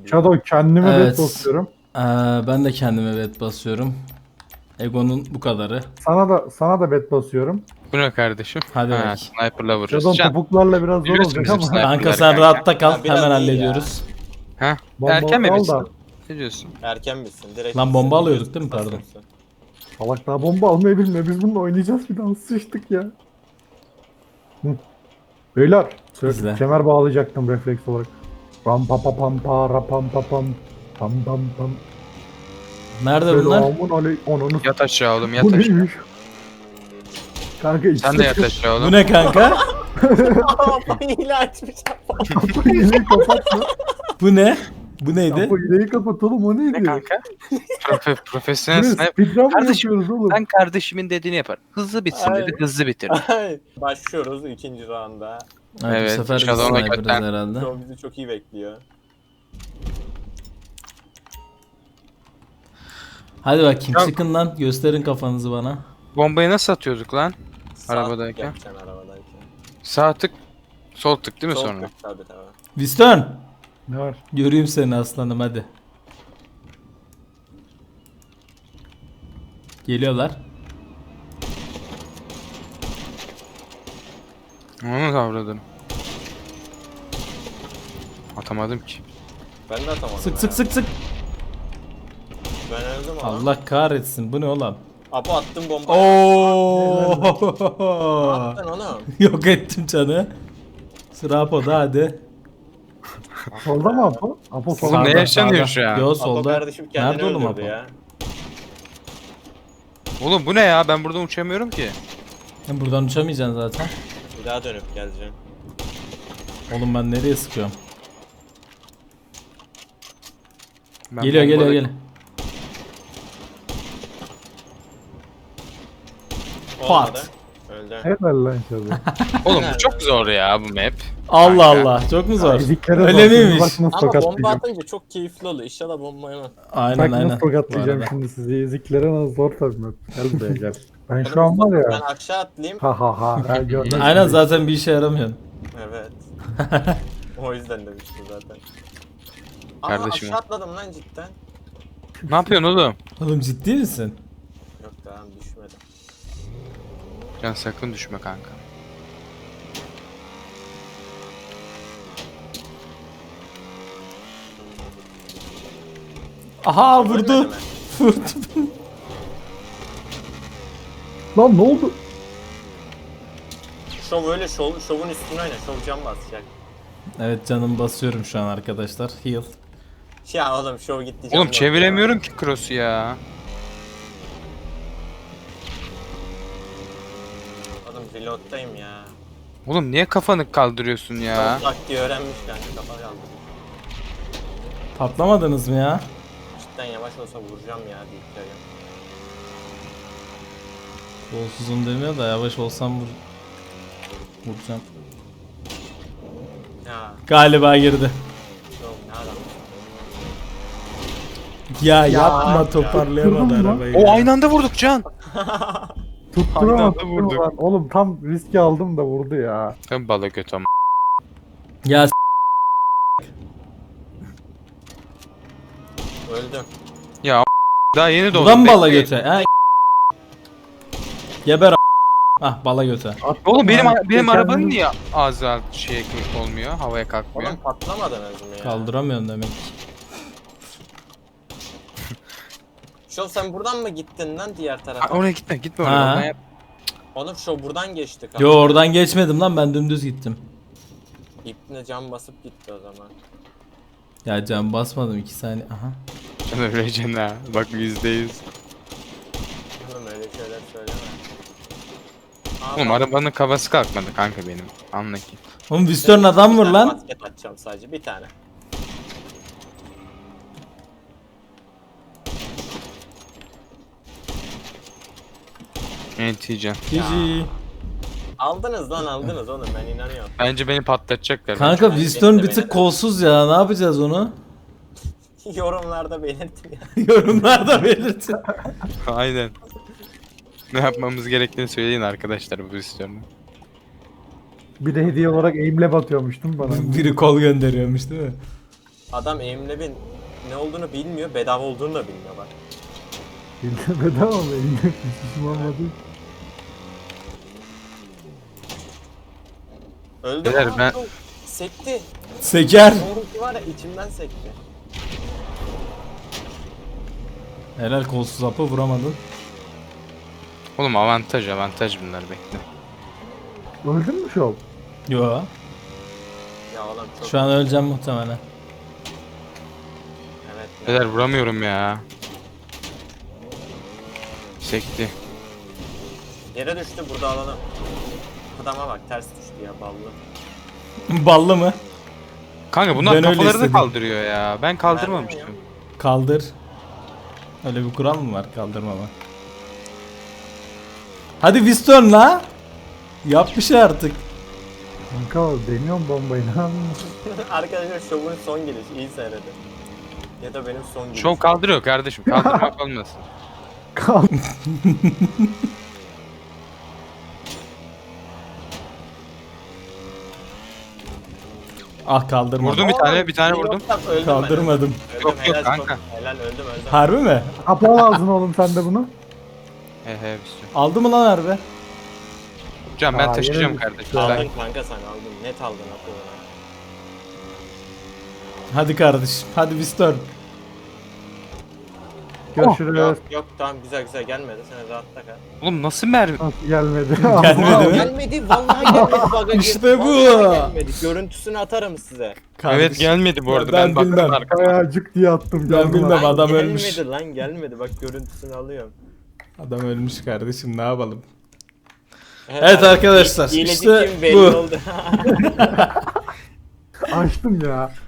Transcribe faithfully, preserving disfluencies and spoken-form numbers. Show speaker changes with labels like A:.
A: Shadow kendime
B: Evet.
A: bet basıyorum.
B: Ee, ben de kendime bet basıyorum. Ego'nun bu kadarı.
A: Sana da sana da bet basıyorum.
C: Bu ne kardeşim?
B: Hadi
C: Ha,
B: bak.
C: sniper'la vururuz.
A: Shadow
C: Can,
A: topuklarla biraz zor
C: biliyorsun
A: olacak
C: bizim
A: ama.
C: sniper.
B: Kanka
C: Yapılar
B: sen
C: kanka.
B: rahatta kal.
D: Ya biraz
B: Hemen
D: iyi
B: hallediyoruz.
C: Ha?
A: Bomba
C: Erken mi
A: al
C: bitsin?
A: da.
C: Ne diyorsun?
D: Erken bitsin. Direkt
B: Lan
D: bitsin,
B: bomba alıyorduk
D: biliyorsun,
B: değil mi? Pardon.
D: basıyorsun.
A: Salak daha bomba almayı bilmiyor. Biz bununla oynayacağız bir daha. Sıçtık ya. Hı. Beyler.
B: İzle.
A: Kemer bağlayacaktım refleks olarak. Ram pa pa pam pa ra pam pa pam. Pam pam pam.
B: Nerede bunlar?
A: Selamun aley. Onunu.
C: Yat aşağı oğlum, yat
A: Bu
C: aşağı.
A: neymiş? Kanka işte.
C: Sen de yat aşağı oğlum.
B: Bu ne kanka?
D: Aa, hile açmış.
A: Kapı hileyi kapat lan.
B: Bu ne? Bu neydi?
A: Kapı hileyi kapat oğlum, o neydi?
C: Ne kanka? Profe profesyonel
A: Bu ne,
C: sniper.
A: speedrun mı
C: Kardeşim,
A: yapıyoruz oğlum?
C: Ben kardeşimin dediğini yapar. Hızlı bitsin
D: Ay.
C: dedi, hızlı bitir.
D: Ay, başlıyoruz ikinci rounda.
B: Evet,
C: Evet,
B: bu sefer biz
C: Shadow'una
B: sniper'ız
C: götten.
B: herhalde.
D: Show bizi çok iyi bekliyor.
B: Hadi bakayım
C: Ya-
B: çıkın lan. Gösterin kafanızı bana.
C: Bombayı nasıl atıyorduk lan?
D: Sağ
C: Arabadayken.
D: yapacaksın arabadayken.
C: Sağ tık, sol tık değil mi
D: Sol
C: sonra?
D: tık, tabii tabii.
B: Winston.
A: Ne var?
B: Göreyim seni aslanım hadi. Geliyorlar.
C: Onu kavradım. Atamadım ki.
D: Ben de atamadım.
B: Sık
D: ya.
B: sık sık sık.
D: Ben öldüm ama.
B: Allah kahretsin. Bu ne oğlum?
D: Apo attım bomba.
B: Oo!
D: Attın onu.
B: Yok ettim canı. Sıra Apo'da hadi.
A: Solda mı Apo? Apo
C: Oğlum
A: solda.
C: ne
B: Sağda,
C: yaşanıyor
B: sağda.
C: şu an?
B: Yo
D: Apo
B: solda.
D: kardeşim kendini
B: Nerede oğlum
D: öldürdü
B: Apo?
D: ya.
C: Oğlum bu ne ya? Ben buradan uçamıyorum ki.
B: Sen buradan uçamayacaksın zaten.
D: Bir daha dönüp geleceğim.
B: Oğlum ben nereye sıkıyorum?
C: Ben
B: Geliyor geliyor
C: bombada-
B: geliyor.
D: Olmadı.
B: Pat.
D: Öldü.
A: Helal lan Shadow.
C: Oğlum bu çok zor ya bu map.
B: Allah
C: Kanka.
B: Allah. Çok mu zor?
A: Eziklere
B: Öyle
A: bak,
B: miymiş?
A: Bak nasıl
D: Ama bomba
A: tokatlayacağım.
D: atınca çok keyifli oluyor. İnşallah bomba yemem.
B: Aynen
A: Bak
B: aynen.
A: nasıl tokatlayacağım
B: Bu arada.
A: şimdi sizi. Eziklere nasıl zor tabii. Gel buraya gel. Ben
D: Oğlum,
A: şu an var
D: Ben
A: ya.
D: aşağı atlayayım.
A: Ha ha ha. ha gördün mü?
B: Aynen zaten bir işe yaramıyorsun.
D: Evet. O yüzden demiştim zaten. Aa,
C: Kardeşim
D: aşağı
C: o.
D: atladım lan cidden.
C: Ne yapıyorsun oğlum?
B: Oğlum ciddi misin?
D: Yok tamam düşmedim.
C: Can sakın düşme kanka.
B: Aha
D: Ölmedi
B: vurdu.
D: mi?
B: Vurdu.
A: Lan ne oldu?
D: Şov öyle şov, şovun üstüne oyna. Şov can basacak.
B: Evet canım basıyorum şu an arkadaşlar. Heal.
D: Ya oğlum şov gitti can
C: Oğlum
D: basıyor.
C: çeviremiyorum ki cross'u ya.
D: Oğlum reload'dayım ya.
C: Oğlum niye kafanı kaldırıyorsun ya?
D: Şov taktiği öğrenmiş kanka kafa kaldı.
B: Patlamadınız mı ya?
D: Cidden yavaş olsa vuracağım ya deyip geliyorum.
B: Kolsuzum demiyor da yavaş olsam vur... Vuracağım.
D: Ya
B: Galiba girdi.
D: şov ne adam.
B: Ya, yapma toparlayamadı
A: Tutturdun mu?
B: arabayı.
C: O
B: ya.
C: aynı anda vurduk Can.
A: Tutturamadım.
C: anda vurduk.
A: Lan. Oğlum tam riski aldım da vurdu ya.
C: Ben bala göt ama.
B: Ya s-
D: Öldüm.
C: Ya daha yeni doğdum.
B: buradan mı bala
C: bekleyin.
B: göte? Ha? Geber a- Ah bala göte.
A: Attım
C: Oğlum benim
A: lan.
C: benim
A: Kendini-
C: arabanın niye ağzı alt şey olmuyor? Havaya kalkmıyor.
D: Oğlum patlamadınız mı ya?
B: Kaldıramıyorum demek ki.
D: Şov sen buradan mı gittin lan diğer
C: Ha,
D: tarafa?
C: oraya gitme gitme
B: Ha.
C: oraya. Oradan yap.
D: Oğlum şov buradan geçti kanka.
B: Yo oradan geçmedim lan, ben dümdüz gittim.
D: İpne cam basıp gitti o zaman.
B: Ya can basmadım iki saniye. Aha.
C: Can öleceksin ha. Bak yüzde yüz.
D: Oğlum öyle şeyler söyleme. Aa,
C: Oğlum
D: bak,
C: arabanın kafası kalkmadı kanka benim. Anla ki.
B: Oğlum Winston adam
D: bir
B: vur
D: tane
B: lan.
D: Basket atacağım sadece bir tane.
C: Enti Can.
B: G G.
D: Aldınız lan aldınız oğlum ben inanıyorum.
C: Bence beni patlatacaklar.
B: Kanka
D: Ben
B: Winston bir
D: bekle
B: tık
D: beni.
B: kolsuz ya, ne yapacağız onu?
D: Yorumlarda belirtin ya.
B: Yorumlarda belirtin.
C: Aynen. Ne yapmamız gerektiğini söyleyin arkadaşlar bu istiyorum.
A: Bir de hediye olarak aimlab atıyormuştum bana.
B: Biri kol gönderiyormuş değil mi?
D: Adam Aimlab'in ne olduğunu bilmiyor, bedava olduğunu da bilmiyor bak.
A: Bildi bedava mı? Elinde hiçbir olmadı.
D: Öldü.
C: Beyler,
D: Aa,
C: ben-
D: çok sekti.
B: Seker.
D: Doğrusu var ya içimden sekti.
B: Helal, kolsuz hapı vuramadın.
C: Oğlum avantaj avantaj bunlar, bekle.
A: Öldün mü şov?
B: Yo.
D: Ya oğlum çok
B: Şu an öleceğim muhtemelen.
D: evet. ya.
C: Beyler vuramıyorum ya. Sekti.
D: Yere düştü, burada alalım. Adama bak ters düştü ya ballı.
B: Ballı mı?
C: Kanka bunlar
B: Ben öyle
C: kafalarını
B: istedim.
C: kaldırıyor ya. Ben kaldırmamıştım.
B: Kaldır. Öyle bir kural mı var, kaldırmama? Hadi Winston la. Yap bir şey artık.
A: Kanka deniyorum bombayı ne yapıyorsun?
D: Arkadaşlar şovun son gelişi iyi seyredin. Ya da benim son gelişim.
C: Şov kaldırıyor kardeşim. Kaldırmak olmasın.
A: Kal.
B: Ah, kaldırmadım.
C: Vurdum bir tane, bir tane vurdum.
D: Yok, öldüm ben,
B: Kaldırmadım.
D: öldüm. Öldüm,
C: Yok, yok
D: helal,
C: kanka.
D: çok- Helal öldüm öldüm.
B: Harbi mi?
A: Kapalı ağzını oğlum sen de bunu.
C: He he bir sürü.
B: Aldı mı lan harbi?
C: Can ben
A: Aa,
C: taşıyacağım
A: yine
C: kardeşim.
A: Aa.
C: Ben-
D: Aldın kanka sen aldın. Net aldın akıllı.
B: Hadi kardeşim. Hadi Winston.
A: Görüşürüz.
D: Yok yok tamam güzel güzel gelmedi. Sen rahatta kal.
C: Oğlum nasıl mermi?
A: Nasıl gelmedi?
B: Gelmedi mi?
D: Gelmedi vallahi gelmedi. Bug'a
B: İşte
D: girdi,
B: bu.
D: vallahi Gelmedi. Görüntüsünü atarım size.
B: Kardeşim.
C: Evet gelmedi bu arada.
B: Ben
C: Ben, baktım
B: bilmem.
C: arkaya.
A: Ayacık diye attım.
B: Ben
A: gördüm
B: bilmem.
A: abi.
B: Adam
D: gelmedi
B: ölmüş.
D: lan gelmedi. Bak görüntüsünü alıyorum.
B: Adam ölmüş kardeşim, ne yapalım?
D: Evet,
B: Evet
D: abi,
B: arkadaşlar,
D: hileci
B: işte
D: kim belli
B: bu.
D: oldu.
A: Açtım ya.